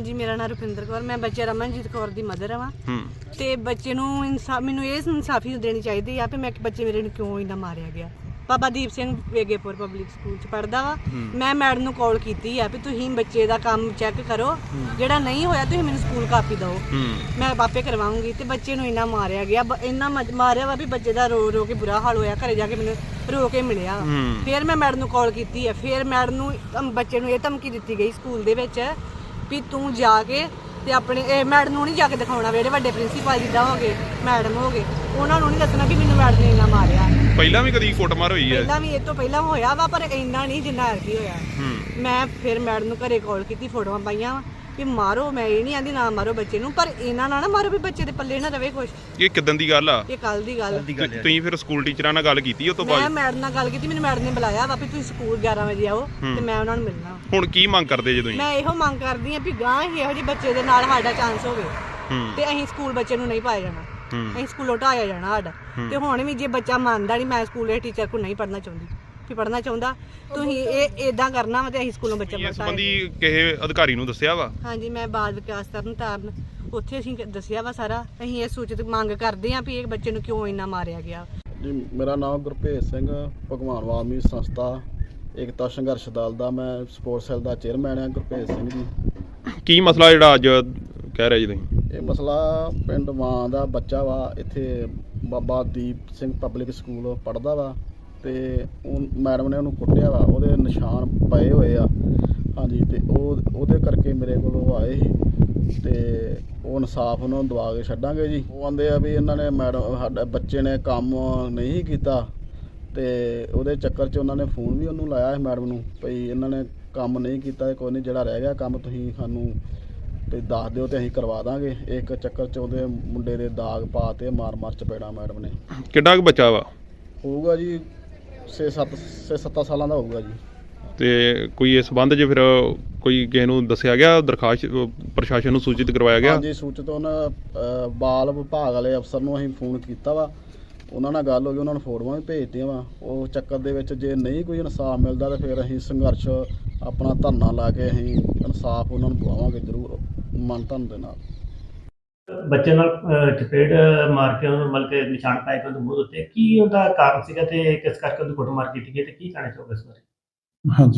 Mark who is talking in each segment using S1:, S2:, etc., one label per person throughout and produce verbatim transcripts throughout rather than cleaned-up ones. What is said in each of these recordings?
S1: ਹਾਂਜੀ, ਮੇਰਾ ਨਾਮ ਰੁਪਿੰਦਰ ਕੌਰ, ਮੈਂ ਬੱਚੇ ਰਮਨਜੀਤ ਕੌਰ ਦੀ ਮਦਰ ਹਾਂ। ਤੇ ਬੱਚੇ ਨੂੰ ਇਨਸਾਫ, ਮੈਨੂੰ ਇਹ ਇਨਸਾਫੀ ਦੇਣੀ ਚਾਹੀਦੀ ਆ ਕਿ ਮੈਂ ਬੱਚੇ ਮੇਰੇ ਨੂੰ ਕਿਉਂ ਇੰਨਾ ਮਾਰਿਆ ਗਿਆ। ਬਾਬਾ ਦੀਪ ਸਿੰਘ ਵੇਗੇਪੁਰ ਪਬਲਿਕ ਸਕੂਲ ਚ ਪੜ੍ਹਦਾ ਵਾ। ਮੈਂ ਮੈਡਮ ਨੂੰ ਕਾਲ ਕੀਤੀ ਆ ਵੀ ਤੁਸੀਂ ਬੱਚੇ ਦਾ ਕੰਮ ਚੈੱਕ ਕਰੋ, ਜਿਹੜਾ ਨਹੀਂ ਹੋਇਆ ਤੁਸੀਂ ਮੈਨੂੰ ਸਕੂਲ ਕਾਪੀ ਦਿਓ, ਮੈਂ ਆਪੇ ਕਰਵਾਉਂਗੀ। ਤੇ ਬੱਚੇ ਨੂੰ ਇੰਨਾ ਮਾਰਿਆ ਗਿਆ, ਇੰਨਾ ਮਾਰਿਆ ਵਾ ਵੀ ਬੱਚੇ ਦਾ ਰੋ ਰੋ ਕੇ ਬੁਰਾ ਹਾਲ ਹੋਇਆ। ਘਰੇ ਜਾ ਕੇ ਮੈਨੂੰ ਰੋ ਕੇ ਮਿਲਿਆ। ਫਿਰ ਮੈਂ ਮੈਡਮ ਨੂੰ ਕਾਲ ਕੀਤੀ ਆ, ਫਿਰ ਮੈਡਮ ਨੂੰ ਬੱਚੇ ਨੂੰ ਇਹ ਧਮਕੀ ਦਿੱਤੀ ਗਈ ਸਕੂਲ ਦੇ ਵਿੱਚ ਵੀ ਤੂੰ ਜਾ ਕੇ ਤੇ ਆਪਣੇ ਇਹ ਮੈਡਮ ਨੂੰ ਨਹੀਂ ਜਾ ਕੇ ਦਿਖਾਉਣਾ, ਜਿਹੜੇ ਵੱਡੇ ਪ੍ਰਿੰਸੀਪਲ ਜਿੱਦਾਂ ਹੋ ਗਏ, ਮੈਡਮ ਹੋ ਗਏ, ਉਹਨਾਂ ਨੂੰ ਨਹੀਂ ਦੱਸਣਾ ਕਿ ਮੈਨੂੰ ਮੈਡਮ ਨੇ ਇੰਨਾ ਮਾਰਿਆ।
S2: ਪਹਿਲਾਂ ਵੀ ਕਦੀ ਕੁੱਟਮਾਰ ਹੋਈ ਹੈ? ਪਹਿਲਾਂ
S1: ਵੀ ਇਹ ਤੋਂ ਪਹਿਲਾਂ ਹੋਇਆ ਵਾ, ਪਰ ਇੰਨਾ ਨਹੀਂ ਜਿੰਨਾ ਐਤਕੀ ਹੋਇਆ। ਮੈਂ ਫਿਰ ਮੈਡਮ ਨੂੰ ਘਰੇ ਕਾਲ ਕੀਤੀ, ਫੋਟੋਆਂ ਪਾਈਆਂ ਵਾ ਵੀ ਮਾਰੋ, ਮੈਂ ਇਹ ਨਹੀਂ ਆਂਦੀ ਨਾ ਮਾਰੋ ਬੱਚੇ ਨੂੰ, ਪਰ ਇਹਨਾਂ ਨਾਲ ਨਾ ਮਾਰੋ ਵੀ ਬੱਚੇ ਦੇ ਪੱਲੇ ਨਾ ਰਵੇ ਕੁਛ।
S2: ਇਹ ਕਿਦਾਂ ਦੀ ਗੱਲ ਆ?
S1: ਇਹ ਕੱਲ ਦੀ ਗੱਲ।
S2: ਤੁਸੀਂ ਫਿਰ ਸਕੂਲ ਟੀਚਰਾਂ ਨਾਲ ਗੱਲ ਕੀਤੀ ਉਸ ਤੋਂ ਬਾਅਦ?
S1: ਮੈਂ ਮੈਡਮ ਨਾਲ ਗੱਲ ਕੀਤੀ, ਮੈਨੂੰ ਮੈਡਮ ਨੇ ਬੁਲਾਇਆ ਵਾ ਵੀ ਤੁਸੀਂ ਸਕੂਲ ਗਿਆਰਾਂ ਵਜੇ ਆਓ ਤੇ ਮੈਂ ਉਹਨਾਂ ਨੂੰ ਮਿਲਣਾ।
S2: ਹੁਣ ਕੀ ਮੰਗ ਕਰਦੇ ਜੇ ਤੁਸੀਂ?
S1: ਮੈਂ ਇਹੋ ਮੰਗ ਕਰਦੀ ਆ ਵੀ ਗਾਂ ਹੀ ਇਹੋ ਜਿਹੇ ਬੱਚੇ ਦੇ ਨਾਲ ਸਾਡਾ ਚਾਂਸ ਹੋਵੇ ਤੇ ਅਸੀਂ ਸਕੂਲ ਬੱਚੇ ਨੂੰ ਨਹੀਂ ਪਾਇਆ ਜਾਣਾ, ਅਸੀਂ ਸਕੂਲੋਂ ਢਾਇਆ ਜਾਣਾ ਸਾਡਾ। ਤੇ ਹੁਣ ਵੀ ਜੇ ਬੱਚਾ ਮੰਨਦਾ ਨਹੀਂ ਮੈਂ ਸਕੂਲ ਦੇ ਟੀਚਰ ਕੋਲ ਨਹੀਂ ਪੜ੍ਹਨਾ ਚਾਹੁੰਦੀ, ਵੀ ਪੜ੍ਹਨਾ ਚਾਹੁੰਦਾ ਤੁਸੀਂ ਇਹ ਇਦਾਂ ਕਰਨਾ ਵਾ ਤੇ ਅਸੀਂ ਸਕੂਲੋਂ ਬੱਚਾ ਪੜ੍ਹਾਇਆ।
S2: ਇਸ ਸੰਬੰਧੀ ਕਿਸੇ ਅਧਿਕਾਰੀ ਨੂੰ ਦੱਸਿਆ ਵਾ?
S1: ਹਾਂਜੀ, ਮੈਂ ਬਾਲ ਵਿਕਾਸ ਤਰਨ ਤਾਰਨ ਉੱਥੇ ਅਸੀਂ ਦੱਸਿਆ ਵਾ ਸਾਰਾ। ਅਸੀਂ ਇਹ ਸੂਚਿਤ ਮੰਗ ਕਰਦੇ ਹਾਂ ਵੀ ਇਹ ਬੱਚੇ ਨੂੰ ਕਿਉਂ ਇੰਨਾ ਮਾਰਿਆ ਗਿਆ।
S3: ਜੀ, ਮੇਰਾ ਨਾਮ ਗੁਰਭੇਜ ਸਿੰਘ, ਭਗਵਾਨ ਵਾਲਮੀਕ ਸੰਸਥਾ ਏਕਤਾ ਸੰਘਰਸ਼ ਦਲ ਦਾ ਮੈਂ ਸਪੋਰਟਸ ਸੈੱਲ ਦਾ ਚੇਅਰਮੈਨ ਹਾਂ। ਗੁਰਭੇਜ ਸਿੰਘ ਜੀ, ਕੀ
S2: ਮਸਲਾ ਜਿਹੜਾ ਅੱਜ ਕਹਿ ਰਹੇ ਜੀ ਤੁਸੀਂ?
S3: ਇਹ ਮਸਲਾ ਪਿੰਡ ਮਾਂ ਦਾ ਬੱਚਾ ਵਾ, ਇੱਥੇ ਬਾਬਾ ਦੀਪ ਸਿੰਘ ਪਬਲਿਕ ਸਕੂਲ ਪੜ੍ਹਦਾ ਵਾ ਤੇ ਉਹ ਮੈਡਮ ਨੇ ਉਹਨੂੰ ਕੁੱਟਿਆ ਵਾ, ਉਹਦੇ ਨਿਸ਼ਾਨ ਪਏ ਹੋਏ ਆ। ਹਾਂਜੀ, ਤੇ ਉਹ ਉਹਦੇ ਕਰਕੇ ਮੇਰੇ ਕੋਲ ਉਹ ਆਏ ਸੀ ਤੇ ਉਹ ਇਨਸਾਫ ਉਹਨਾਂ ਨੂੰ ਦਵਾ ਕੇ ਛੱਡਾਂਗੇ ਜੀ। ਉਹ ਆਂਦੇ ਆ ਵੀ ਇਹਨਾਂ ਨੇ ਮੈਡਮ ਸਾਡਾ ਬੱਚੇ ਨੇ ਕੰਮ ਨਹੀਂ ਕੀਤਾ ਤੇ ਉਹਦੇ ਚੱਕਰ 'ਚ ਉਹਨਾਂ ਨੇ ਫੋਨ ਵੀ ਉਹਨੂੰ ਲਾਇਆ ਸੀ ਮੈਡਮ ਨੂੰ ਭਈ ਇਹਨਾਂ ਨੇ ਕੰਮ ਨਹੀਂ ਕੀਤਾ, ਕੋਈ ਨਹੀਂ, ਜਿਹੜਾ ਰਹਿ ਗਿਆ ਕੰਮ ਤੁਸੀਂ ਸਾਨੂੰ ਤੇ ਦੱਸ ਦਿਓ ਤੇ ਅਸੀਂ ਕਰਵਾ ਦਾਂਗੇ। ਇੱਕ ਚੱਕਰ 'ਚ ਉਹਦੇ ਮੁੰਡੇ ਦੇ ਦਾਗ ਪਾ ਤੇ ਮਾਰ ਮਾਰ ਚਪੇੜਾ ਮੈਡਮ ਨੇ।
S2: ਕਿੰਨਾ ਕੁ ਬੱਚਾ ਵਾ?
S3: ਹੋਊਗਾ ਜੀ ਛੇ ਸੱਤ ਛੇ ਸੱਤਾਂ ਸਾਲਾਂ ਦਾ ਹੋਊਗਾ ਜੀ।
S2: ਤੇ ਕੋਈ ਇਸ ਸੰਬੰਧ 'ਚ ਫਿਰ ਕੋਈ ਕਿਸੇ ਨੂੰ ਦੱਸਿਆ ਗਿਆ, ਦਰਖਾਸਤ ਪ੍ਰਸ਼ਾਸਨ ਨੂੰ ਸੂਚਿਤ ਕਰਵਾਇਆ ਗਿਆ?
S3: ਹਾਂਜੀ, ਸੂਚਿਤ ਉਹਨਾਂ ਬਾਲ ਵਿਭਾਗ ਵਾਲੇ ਅਫਸਰ ਨੂੰ ਅਸੀਂ ਫੋਨ ਕੀਤਾ ਵਾ, ਉਹਨਾਂ ਨਾਲ ਗੱਲ ਹੋ ਗਈ, ਉਹਨਾਂ ਨੂੰ ਫੋਟੋਆਂ ਵੀ ਭੇਜਤੀਆਂ ਵਾ। ਉਹ ਚੱਕਰ ਦੇ ਵਿੱਚ ਜੇ ਨਹੀਂ ਕੋਈ ਇਨਸਾਫ ਮਿਲਦਾ ਤਾਂ ਫਿਰ ਅਸੀਂ ਸੰਘਰਸ਼ ਆਪਣਾ ਧਰਨਾ ਲਾ ਕੇ ਅਸੀਂ ਇਨਸਾਫ ਉਹਨਾਂ ਨੂੰ ਦਵਾਵਾਂਗੇ ਜ਼ਰੂਰ, ਮਨ ਧਨ ਦੇ ਨਾਲ।
S4: ਬੱਚੇ ਨਾਲ ਚਪੇੜ ਮਾਰ ਕੇ ਉਹਨੂੰ ਮਤਲਬ ਕਿ ਨਿਸ਼ਾਨ ਪਾਏ ਕੇ ਉਹਦੇ ਮੂੰਹ ਉੱਤੇ, ਕੀ ਉਹਦਾ ਕਾਰਨ ਸੀਗਾ ਤੇ ਕਿਸ ਕਰਕੇ ਉਹਦੀ ਕੁੱਟਮਾਰ ਕੀਤੀ ਗਈ ਤੇ ਕੀ ਕਹਿਣਾ ਚਾਹੋਗੇ ਇਸ ਬਾਰੇ?
S5: ਹਾਂਜੀ,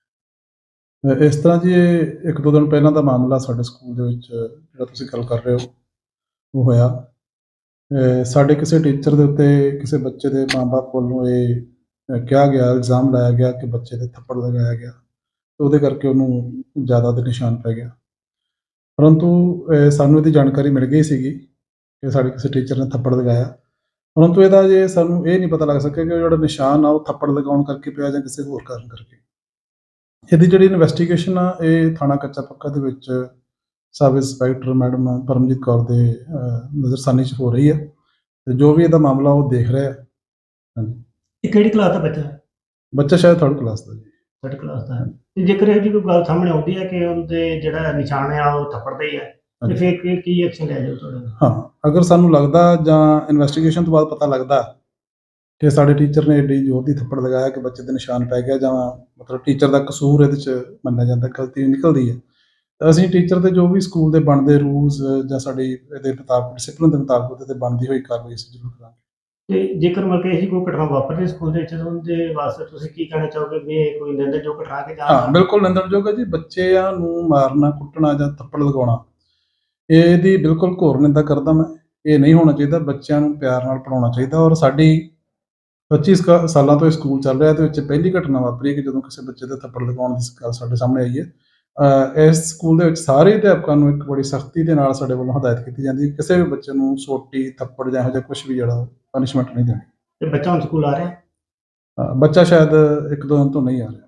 S5: ਇਸ ਤਰ੍ਹਾਂ ਜੀ ਇਹ ਇੱਕ ਦੋ ਦਿਨ ਪਹਿਲਾਂ ਦਾ ਮਾਮਲਾ ਸਾਡੇ ਸਕੂਲ ਦੇ ਵਿੱਚ ਜਿਹੜਾ ਤੁਸੀਂ ਗੱਲ ਕਰ ਰਹੇ ਹੋ ਉਹ ਹੋਇਆ। ਸਾਡੇ ਕਿਸੇ ਟੀਚਰ ਦੇ ਉੱਤੇ ਕਿਸੇ ਬੱਚੇ ਦੇ ਮਾਂ-ਬਾਪ ਵੱਲੋਂ ਇਹ ਕਿਹਾ ਗਿਆ, ਇਲਜ਼ਾਮ ਲਾਇਆ ਗਿਆ ਕਿ ਬੱਚੇ ਦੇ ਥੱਪੜ ਲਗਾਇਆ ਗਿਆ ਤੇ ਉਹਦੇ ਕਰਕੇ ਉਹਨੂੰ ਜ਼ਿਆਦਾ ਦੇ ਨਿਸ਼ਾਨ ਪੈ ਗਿਆ। ਪਰੰਤੂ ਸਾਨੂੰ ਇਹਦੀ ਜਾਣਕਾਰੀ ਮਿਲ ਗਈ ਸੀਗੀ ਕਿ ਸਾਡੇ ਕਿਸੇ ਟੀਚਰ ਨੇ ਥੱਪੜ ਲਗਾਇਆ, ਪਰੰਤੂ ਇਹਦਾ ਜੇ ਸਾਨੂੰ ਇਹ ਨਹੀਂ ਪਤਾ ਲੱਗ ਸਕਿਆ ਕਿ ਉਹ ਜਿਹੜਾ ਨਿਸ਼ਾਨ ਆ ਉਹ ਥੱਪੜ ਲਗਾਉਣ ਕਰਕੇ ਪਿਆ ਜਾਂ ਕਿਸੇ ਹੋਰ ਕਾਰਨ ਕਰਕੇ। ਇਹਦੀ ਜਿਹੜੀ ਇਨਵੈਸਟੀਗੇਸ਼ਨ ਆ ਇਹ ਥਾਣਾ ਕੱਚਾ ਪੱਕਾ ਦੇ ਵਿੱਚ sub inspector madam Paramjit Kaur ਦੇ ਨਜ਼ਰਸਾਨੀ 'ਚ ਹੋ ਰਹੀ ਆ ਤੇ ਜੋ ਵੀ ਇਹਦਾ ਮਾਮਲਾ ਉਹ ਦੇਖ ਰਿਹਾ। ਹਾਂਜੀ,
S4: ਇਹ ਕਿਹੜੀ ਕਲਾਸ ਦਾ ਬੱਚਾ ਹੈ?
S5: ਬੱਚਾ ਸ਼ਾਇਦ ਥਰਡ ਕਲਾਸ ਦਾ ਜੀ।
S4: ਥਰਡ ਕਲਾਸ ਦਾ ਹੈ। ਤੇ ਜੇਕਰ ਇਹ ਜੀ ਕੋਈ ਗੱਲ ਸਾਹਮਣੇ ਆਉਂਦੀ ਹੈ ਕਿ ਉਹਦੇ ਜਿਹੜਾ ਨਿਸ਼ਾਨ ਆ ਉਹ ਥੱਪੜ ਦਾ ਹੀ ਹੈ ਤੇ ਫਿਰ ਕੀ ਕੀ ਐਕਸ਼ਨ ਲਿਆ ਜਾਊ ਤੁਹਾਡੇ ਨਾਲ?
S5: ਹਾਂ, ਅਗਰ ਸਾਨੂੰ ਲੱਗਦਾ ਜਾਂ ਇਨਵੈਸਟੀਗੇਸ਼ਨ ਤੋਂ ਬਾਅਦ ਪਤਾ ਲੱਗਦਾ ਕਿ ਸਾਡੇ ਟੀਚਰ ਨੇ ਏਡੀ ਜ਼ੋਰ ਦੀ ਥੱਪੜ ਲਗਾਇਆ ਕਿ ਬੱਚੇ ਦੇ ਨਿਸ਼ਾਨ ਪੈ ਗਿਆ ਜਾਂ ਮਤਲਬ ਟੀਚਰ ਦਾ ਕਸੂਰ ਇਹਦੇ 'ਚ ਮੰਨਿਆ ਜਾਂਦਾ, ਗਲਤੀ ਨਿਕਲਦੀ ਹੈ, ਤਾਂ ਅਸੀਂ ਟੀਚਰ ਤੇ ਜੋ ਵੀ ਸਕੂਲ ਦੇ ਬਣਦੇ ਰੂਲਸ ਜਾਂ ਸਾਡੀ ਇਹਦੇ ਮੁਤਾਬਕ ਡਿਸਿਪਲਿਨ ਦੇ ਮੁਤਾਬਕ ਉਹਦੇ 'ਤੇ ਬਣਦੀ ਹੋਈ ਕਾਰਵਾਈ ਅਸੀਂ ਜ਼ਰੂਰ ਕਰਾਂਗੇ।
S4: ਤੇ ਜੇਕਰ ਮਤਲਬ ਕਿ ਇਹੀ ਕੋਈ ਘਟਨਾ ਵਾਪਰਦੀ ਸਕੂਲ ਦੇ ਵਿੱਚ ਉਹਦੇ ਵਾਸਤੇ ਤੁਸੀਂ ਕੀ ਕਹਿਣਾ ਚਾਹੋਗੇ ਵੀ ਇਹ ਕੋਈ ਨਿੰਦਣਯੋਗ ਘਟਨਾ ਕਿ ਜਾਂ?
S5: ਹਾਂ, ਬਿਲਕੁਲ ਨਿੰਦਣਯੋਗ ਹੈ ਜੀ। ਬੱਚਿਆਂ ਨੂੰ ਮਾਰਨਾ, ਕੁੱਟਣਾ ਜਾਂ ਥੱਪੜ ਲਗਾਉਣਾ ਇਹਦੀ ਬਿਲਕੁਲ ਘੋਰ ਨਿੰਦਾ ਕਰਦਾ ਮੈਂ। ਇਹ ਨਹੀਂ ਹੋਣਾ ਚਾਹੀਦਾ, ਬੱਚਿਆਂ ਨੂੰ ਪਿਆਰ ਨਾਲ ਪੜ੍ਹਾਉਣਾ ਚਾਹੀਦਾ। ਔਰ ਸਾਡੀ ਪੱਚੀ ਸਾਲਾਂ ਤੋਂ ਇਹ ਸਕੂਲ ਚੱਲ ਰਿਹਾ, ਇਹਦੇ ਵਿੱਚ ਪਹਿਲੀ ਘਟਨਾ ਵਾਪਰੀ ਕਿ ਜਦੋਂ ਕਿਸੇ ਬੱਚੇ ਦੇ ਥੱਪੜ ਲਗਾਉਣ ਦੀ ਗੱਲ ਸਾਡੇ ਸਾਹਮਣੇ ਆਈ ਹੈ। ਇਸ ਸਕੂਲ ਦੇ ਵਿੱਚ ਸਾਰੇ ਅਧਿਆਪਕਾਂ ਨੂੰ ਇੱਕ ਬੜੀ ਸਖਤੀ ਦੇ ਨਾਲ ਸਾਡੇ ਵੱਲੋਂ ਹਦਾਇਤ ਕੀਤੀ ਜਾਂਦੀ ਹੈ ਕਿਸੇ ਵੀ ਬੱਚੇ ਨੂੰ ਸੋਟੀ, ਥੱਪੜ ਜਾਂ ਇਹੋ ਜਿਹਾ ਕੁਛ ਵੀ ਜਿਹੜਾ ਪਨਿਸ਼ਮੈਂਟ ਨਹੀਂ ਦੇਣੀ।
S4: ਤੇ ਬੱਚਾ ਹੁਣ ਸਕੂਲ ਆ ਰਿਹਾ?
S5: ਬੱਚਾ ਸ਼ਾਇਦ ਇੱਕ ਦੋ ਦਿਨ ਤੋਂ ਨਹੀਂ ਆ ਰਿਹਾ।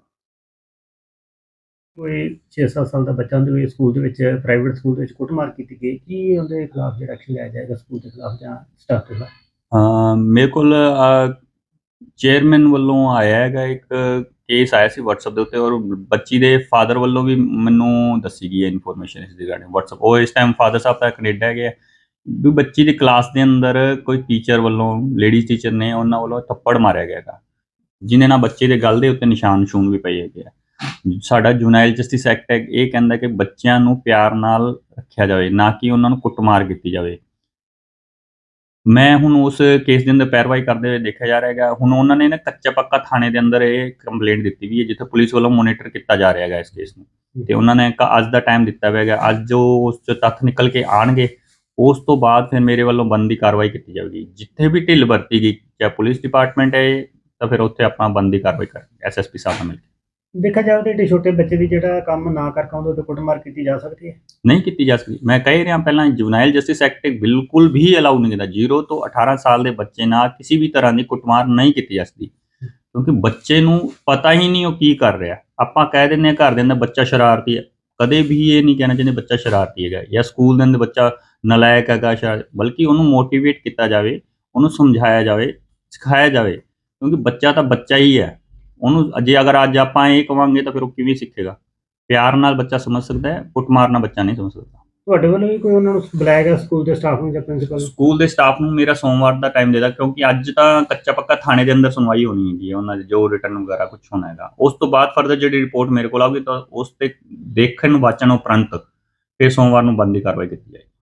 S4: ਕੋਈ ਛੇ ਸੱਤ ਸਾਲ ਦਾ ਬੱਚਾ ਉਹਦੇ ਸਕੂਲ ਦੇ ਵਿੱਚ ਪ੍ਰਾਈਵੇਟ ਸਕੂਲ ਦੇ ਵਿੱਚ ਕੁੱਟਮਾਰ ਕੀਤੀ ਗਈ, ਕੀ ਉਹਦੇ ਖਿਲਾਫ ਜਿਹੜਾ ਐਕਸ਼ਨ ਲਿਆ ਜਾਏਗਾ ਸਕੂਲ ਦੇ ਖਿਲਾਫ ਜਾਂ ਸਟਾਫ ਦੇ ਖਿਲਾਫ?
S6: ਮੇਰੇ ਕੋਲ ਚੇਅਰਮੈਨ ਵੱਲੋਂ ਆਇਆ ਹੈਗਾ ਇੱਕ ਕੇਸ ਆਇਆ ਸੀ ਵਟਸਐਪ ਦੇ ਉੱਤੇ, ਔਰ ਬੱਚੀ ਦੇ ਫਾਦਰ ਵੱਲੋਂ ਵੀ ਮੈਨੂੰ ਦੱਸੀ ਗਈ ਹੈ ਇਨਫੋਰਮੇਸ਼ਨ ਇਸ ਰਿਗਾਰਡਿੰਗ ਵਟਸਐਪ। ਉਹ ਇਸ ਟਾਈਮ ਫਾਦਰ ਸਾਹਿਬ ਤਾਂ ਕੈਨੇਡਾ ਹੈਗੇ ਆ ਵੀ ਬੱਚੀ ਦੀ ਕਲਾਸ ਦੇ ਅੰਦਰ ਕੋਈ ਟੀਚਰ ਵੱਲੋਂ, ਲੇਡੀਜ਼ ਟੀਚਰ ਨੇ, ਉਹਨਾਂ ਵੱਲੋਂ ਥੱਪੜ ਮਾਰਿਆ ਗਿਆ ਹੈਗਾ ਜਿਹਦੇ ਨਾਲ ਬੱਚੇ ਦੇ ਗਲ ਦੇ ਉੱਤੇ ਨਿਸ਼ਾਨ ਸ਼ੂਨ ਵੀ ਪਏ ਹੈਗੇ ਆ। ਸਾਡਾ ਜੁਨਾਈਲ ਜਸਟਿਸ ਐਕਟ ਹੈ ਇਹ ਕਹਿੰਦਾ ਕਿ ਬੱਚਿਆਂ ਨੂੰ ਪਿਆਰ ਨਾਲ ਰੱਖਿਆ ਜਾਵੇ, ਨਾ ਕਿ ਉਹਨਾਂ ਨੂੰ ਕੁੱਟਮਾਰ ਕੀਤੀ ਜਾਵੇ। ਮੈਂ ਹੁਣ ਉਸ ਕੇਸ ਦੇ ਅੰਦਰ ਪੈਰਵਾਈ ਕਰਦੇ ਹੋਏ ਦੇਖਿਆ ਜਾ ਰਿਹਾ ਹੈਗਾ। ਹੁਣ ਉਹਨਾਂ ਨੇ ਨਾ ਕੱਚਾ ਪੱਕਾ ਥਾਣੇ ਦੇ ਅੰਦਰ ਇਹ ਕੰਪਲੇਂਟ ਦਿੱਤੀ ਵੀ ਹੈ, ਜਿੱਥੇ ਪੁਲਿਸ ਵੱਲੋਂ ਮੋਨੀਟਰ ਕੀਤਾ ਜਾ ਰਿਹਾ ਹੈਗਾ ਇਸ ਕੇਸ ਨੂੰ, ਤੇ ਉਹਨਾਂ ਨੇ ਇੱਕ ਅੱਜ ਦਾ ਟਾਈਮ ਦਿੱਤਾ ਹੋਇਆ ਹੈਗਾ। ਅੱਜ ਜੋ ਉਸ 'ਚ ਤੱਥ ਨਿਕਲ ਕੇ ਆਉਣਗੇ ਉਸ ਤੋਂ ਬਾਅਦ ਫਿਰ ਮੇਰੇ ਵੱਲੋਂ ਬਣਦੀ ਕਾਰਵਾਈ ਕੀਤੀ ਜਾਵੇਗੀ। ਜਿੱਥੇ ਵੀ ਢਿੱਲ ਵਰਤੀ ਗਈ, ਚਾਹੇ ਪੁਲਿਸ ਡਿਪਾਰਟਮੈਂਟ ਹੈ ਤਾਂ ਫਿਰ ਉੱਥੇ ਆਪਾਂ ਬਣਦੀ ਕਾਰਵਾਈ ਕਰਾਂਗੇ ਐਸ ਐਸ ਪੀ ਸਾਹਿਬ ਨਾਲ ਮਿਲ ਕੇ।
S4: ਦੇਖਿਆ ਜਾਵੇ ਤਾਂ ਏਡੇ ਛੋਟੇ ਬੱਚੇ ਦੀ ਜਿਹੜਾ ਕੰਮ ਨਾ ਕਰਕੇ ਆਉਂਦਾ ਤੇ ਕੁੱਟਮਾਰ ਕੀਤੀ ਜਾ ਸਕਦੀ ਹੈ?
S6: ਨਹੀਂ ਕੀਤੀ ਜਾ ਸਕਦੀ। ਮੈਂ ਕਹਿ ਰਿਹਾ ਪਹਿਲਾਂ ਜੁਵਨਾਈਲ ਜਸਟਿਸ ਐਕਟ ਬਿਲਕੁਲ ਵੀ ਅਲਾਉ ਨਹੀਂ ਕਰਦਾ। ਜ਼ੀਰੋ ਤੋਂ ਅਠਾਰਾਂ ਸਾਲ ਦੇ ਬੱਚੇ ਨਾਲ ਕਿਸੇ ਵੀ ਤਰ੍ਹਾਂ ਦੀ ਕੁੱਟਮਾਰ ਨਹੀਂ ਕੀਤੀ ਜਾ ਸਕਦੀ, ਕਿਉਂਕਿ ਬੱਚੇ ਨੂੰ ਪਤਾ ਹੀ ਨਹੀਂ ਉਹ ਕੀ ਕਰ ਰਿਹਾ। ਆਪਾਂ ਕਹਿ ਦਿੰਦੇ ਹਾਂ ਘਰ ਦੇ ਅੰਦਰ ਬੱਚਾ ਸ਼ਰਾਰਤੀ ਹੈ, ਕਦੇ ਵੀ ਇਹ ਨਹੀਂ ਕਹਿਣਾ ਚਾਹੀਦਾ ਬੱਚਾ ਸ਼ਰਾਰਤੀ ਹੈਗਾ ਜਾਂ ਸਕੂਲ ਦੇ ਅੰਦਰ ਬੱਚਾ ਨਲਾਇਕ ਹੈਗਾ ਸ਼ਾਇਦ, ਬਲਕਿ ਉਹਨੂੰ ਮੋਟੀਵੇਟ ਕੀਤਾ ਜਾਵੇ, ਉਹਨੂੰ ਸਮਝਾਇਆ ਜਾਵੇ, ਸਿਖਾਇਆ ਜਾਵੇ, ਕਿਉਂਕਿ ਬੱਚਾ ਤਾਂ ਬੱਚਾ ਹੀ ਹੈ। ਉਹਨੂੰ ਜੇ ਅਗਰ ਅੱਜ ਆਪਾਂ ਇਹ ਕਵਾਂਗੇ ਤਾਂ ਫਿਰ ਉਹ ਕਿਵੇਂ ਸਿੱਖੇਗਾ? ਪਿਆਰ ਨਾਲ ਬੱਚਾ ਸਮਝ ਸਕਦਾ ਹੈ, ਕੁੱਟਮਾਰ ਨਾਲ ਬੱਚਾ ਨਹੀਂ ਸਮਝ ਸਕਦਾ।
S4: ਤੁਹਾਡੇ ਵੱਲੋਂ ਵੀ ਕੋਈ ਉਹਨਾਂ ਨੂੰ ਬੁਲਾਇਆ ਗਿਆ ਸਕੂਲ ਦੇ ਸਟਾਫ ਨੂੰ ਜਾਂ ਪ੍ਰਿੰਸੀਪਲ ਨੂੰ?
S6: ਸਕੂਲ ਦੇ ਸਟਾਫ ਨੂੰ ਮੇਰਾ ਸੋਮਵਾਰ ਦਾ ਟਾਈਮ ਦੇ ਦਿਆ, ਕਿਉਂਕਿ ਅੱਜ ਤਾਂ ਕੱਚਾ ਪੱਕਾ ਥਾਣੇ ਦੇ ਅੰਦਰ ਸੁਣਵਾਈ ਹੋਣੀ ਹੈਗੀ ਹੈ, ਉਹਨਾਂ ਦੇ ਜੋ ਰਿਟਰਨ ਵਗੈਰਾ ਕੁਝ ਹੋਣਾ ਹੈਗਾ। ਉਸ ਤੋਂ ਬਾਅਦ ਫਰਦਰ ਜਿਹੜੀ ਰਿਪੋਰਟ ਮੇਰੇ ਕੋਲ ਆਊਗੀ ਤਾਂ ਉਸ ਤੇ ਦੇਖਣ ਵਾਚਣ ਉਪਰੰਤ ਫਿਰ ਸੋਮਵਾਰ ਨੂੰ ਬਣਦੀ ਕਾਰਵਾਈ ਕੀਤੀ ਜਾਏਗੀ।